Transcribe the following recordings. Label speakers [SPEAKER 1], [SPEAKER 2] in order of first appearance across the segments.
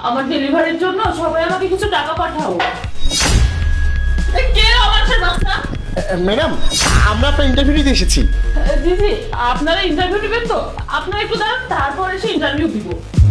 [SPEAKER 1] আমার ডেলিভারির জন্য সবাই আমাকে কিছু টাকা পাঠাও। কে আমার সে বাচ্চা?
[SPEAKER 2] ম্যাডাম, আমরা আপনার ইন্টারভিউ দিতে এসেছি।
[SPEAKER 1] জি জি, আপনারা ইন্টারভিউ নেবেন তো? আপনারা একটু দাঁড়ান, তারপর এসে ইন্টারভিউ দিব।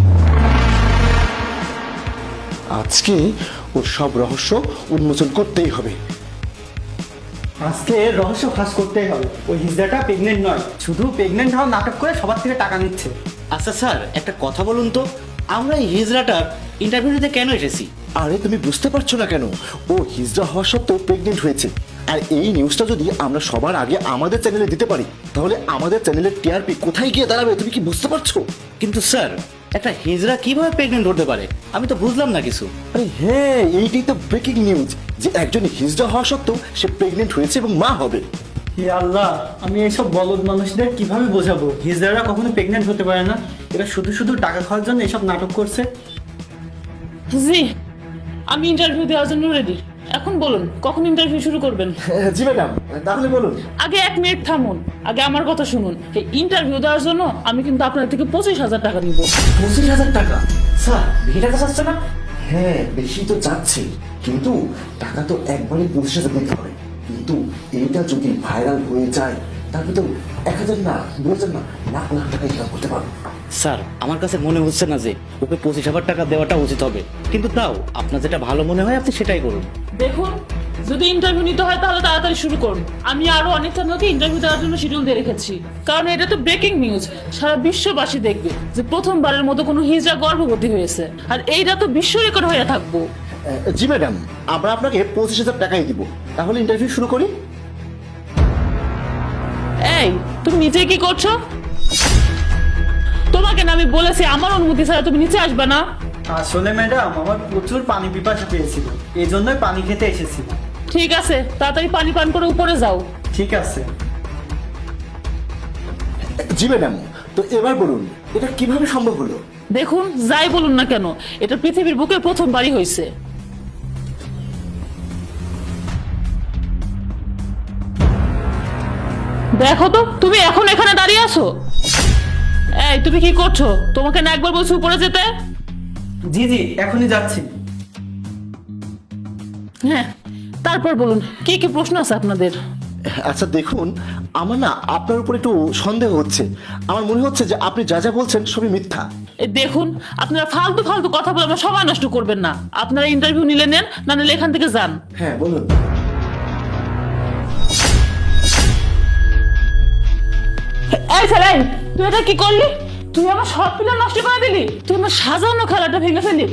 [SPEAKER 2] আজকে ওর সব রহস্য উন্মোচন করতেই হবে।
[SPEAKER 3] আজকে রহস্য ফাঁস করতেই হবে। ওই হিজড়াটা প্রেগনেন্ট নয়, শুধু প্রেগনেন্ট হওয়ার নাটক করে সবার থেকে টাকা নিচ্ছে।
[SPEAKER 4] আচ্ছা স্যার, একটা কথা বলুন তো, আমরা এই হিজড়াটার ইন্টারভিউ দিতে কেন এসেছি?
[SPEAKER 2] আরে তুমি বুঝতে পারছো না কেন? ও হিজড়া হওয়া সত্ত্বেও প্রেগনেন্ট হয়েছে। আর এই নিউজটা যদি আমরা সবার আগে আমাদের চ্যানেলে দিতে পারি, তাহলে আমাদের চ্যানেলের টিআরপি কোথায় গিয়ে দাঁড়াবে তুমি কি বুঝতে পারছো?
[SPEAKER 4] কিন্তু স্যার, একটা হিজড়া কিভাবে প্রেগনেন্ট হতে পারে? আমি তো বুঝলাম না কিছু।
[SPEAKER 2] আরে হ্যাঁ, এইটাই তো ব্রেকিং নিউজ যে একজন হিজড়া হওয়া সত্ত্বেও সে প্রেগনেন্ট হয়েছে এবং মা হবে।
[SPEAKER 3] হে আল্লাহ, আমি এইসব বলদ মানুষদের কিভাবে বোঝাবো হিজড়ারা কখনো প্রেগনেন্ট হতে পারে না? এরা শুধু শুধু টাকা খাওয়ার জন্য এসব নাটক করছে।
[SPEAKER 1] জি, আমি ইন্টারভিউ দেওয়ার জন্য রেডি। এখন বলুন, কখন ইন্টারভিউ শুরু করবেন?
[SPEAKER 2] জি ম্যাডাম, তাহলে বলুন।
[SPEAKER 1] আগে 1 মিনিট থামুন, আগে আমার কথা শুনুন। এই ইন্টারভিউ দেওয়ার জন্য আমি কিন্তু আপনার থেকে 25,000 টাকা নিব।
[SPEAKER 2] 25,000 টাকা? স্যার, বেশি টাকা চাচ্ছে না? হ্যাঁ, বেশি তো চাচ্ছে, কিন্তু টাকা তো একবারে 25,000 দিতে হবে। কিন্তু এইটা যদি ভাইরাল হয়ে যায়, তারপরে তো 1,000 না, 2,000 না, লাখ লাখ টাকা ইনকাম করতে পারবে।
[SPEAKER 4] স্যার, আমার কাছে মনে হচ্ছে না যে ওকে 25,000 টাকা দেওয়াটা উচিত হবে। কিন্তু তাও আপনার যেটা ভালো মনে হয় আপনি সেটাই করুন।
[SPEAKER 1] দেখুন, যদি ইন্টারভিউ নিতে হয় তাহলে তাড়াতাড়ি শুরু করুন। আমি আরো অনেক চ্যানেলকে ইন্টারভিউ দেওয়ার জন্য শিডিউল দিয়ে রেখেছি, কারণ এটা তো ব্রেকিং নিউজ। সারা বিশ্ববাসী দেখবে যে প্রথমবারের মতো কোনো হিজড়া গর্ভবতী হয়েছে, আর এইটা তো বিশ্ব রেকর্ড হয়ে থাকবো।
[SPEAKER 2] জি ম্যাডাম, আমরা আপনাকে 25,000 টাকাই দিব। তাহলে ইন্টারভিউ শুরু করি।
[SPEAKER 1] এই, তুমি নিচে কি করছো? তোমাকে না আমি বলেছি আমার অনুমতি ছাড়া তুমি নিচে আসবে না।
[SPEAKER 3] আসলে ম্যাডাম, আমার প্রচুর পানি পিপাসা পেয়েছিল, এই জন্যই পানি খেতে এসেছি।
[SPEAKER 1] ঠিক আছে, তাড়াতাড়ি পানি পান করে উপরে যাও।
[SPEAKER 3] ঠিক আছে।
[SPEAKER 2] জি ম্যাডাম, তো এবার বলুন, এটা কিভাবে সম্ভব হলো?
[SPEAKER 1] দেখুন, যাই বলুন না কেন, এটা পৃথিবীর বুকে প্রথমবারই হয়েছে। দেখো তো, তুমি এখন এখানে দাঁড়িয়ে আছো। এই, তুমি কি করছো? তোমাকে না একবার বলছি উপরে যেতে?
[SPEAKER 3] জি জি, এখনই যাচ্ছি।
[SPEAKER 1] হ্যাঁ, তারপর বলুন, কি কি প্রশ্ন আছে আপনাদের?
[SPEAKER 2] আচ্ছা দেখুন, আমার না আপনার উপর একটু সন্দেহ হচ্ছে। আমার মনে হচ্ছে যে আপনি যা যা বলছেন সবই মিথ্যা।
[SPEAKER 1] এই দেখুন, আপনারা ফালতু ফালতু কথা বলে আমার সময় নষ্ট করবেন না। আপনারা ইন্টারভিউ নিলে নেন, না নিলে এখান থেকে যান।
[SPEAKER 2] হ্যাঁ বলুন।
[SPEAKER 1] এই ছেলে, তুই এটা কি করলি? তুই আমার সব প্ল্যান নষ্ট করে দিলি। তুই আমার সাজানো খেলাটা ভেঙে ফেললি।